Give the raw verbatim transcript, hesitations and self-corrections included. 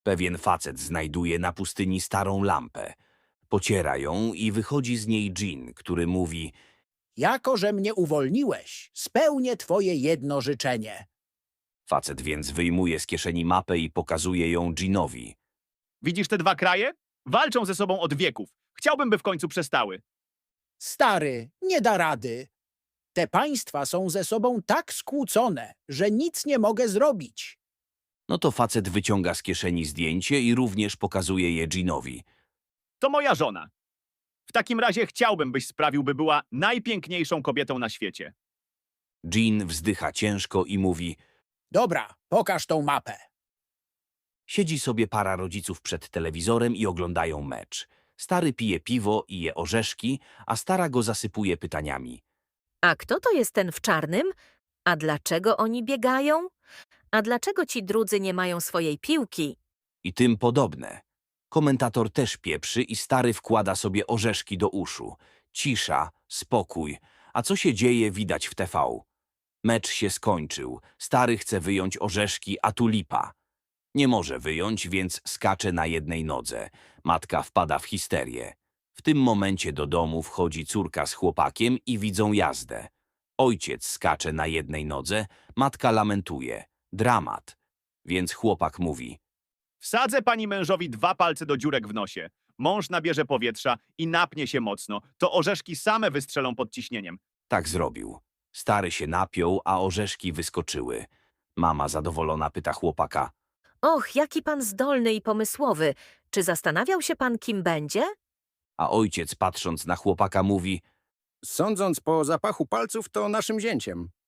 Pewien facet znajduje na pustyni starą lampę. Pociera ją i wychodzi z niej dżin, który mówi: Jako że mnie uwolniłeś, spełnię twoje jedno życzenie. Facet więc wyjmuje z kieszeni mapę i pokazuje ją dżinowi. Widzisz te dwa kraje? Walczą ze sobą od wieków. Chciałbym, by w końcu przestały. Stary, nie da rady. Te państwa są ze sobą tak skłócone, że nic nie mogę zrobić. No to facet wyciąga z kieszeni zdjęcie i również pokazuje je dżinowi. To moja żona. W takim razie chciałbym, byś sprawił, by była najpiękniejszą kobietą na świecie. Dżin wzdycha ciężko i mówi: Dobra, pokaż tą mapę. Siedzi sobie para rodziców przed telewizorem i oglądają mecz. Stary pije piwo i je orzeszki, a stara go zasypuje pytaniami. A kto to jest ten w czarnym? A dlaczego oni biegają? A dlaczego ci drudzy nie mają swojej piłki? I tym podobne. Komentator też pieprzy i stary wkłada sobie orzeszki do uszu. Cisza, spokój. A co się dzieje, widać w T V. Mecz się skończył. Stary chce wyjąć orzeszki, a tu lipa. Nie może wyjąć, więc skacze na jednej nodze. Matka wpada w histerię. W tym momencie do domu wchodzi córka z chłopakiem i widzą jazdę. Ojciec skacze na jednej nodze, matka lamentuje. Dramat. Więc chłopak mówi: Wsadzę pani mężowi dwa palce do dziurek w nosie. Mąż nabierze powietrza i napnie się mocno. To orzeszki same wystrzelą pod ciśnieniem. tak zrobił. Stary się napiął, a orzeszki wyskoczyły. Mama zadowolona pyta chłopaka: Och, jaki pan zdolny i pomysłowy. Czy zastanawiał się pan, kim będzie? a ojciec patrząc na chłopaka mówi: Sądząc po zapachu palców, to naszym zięciem.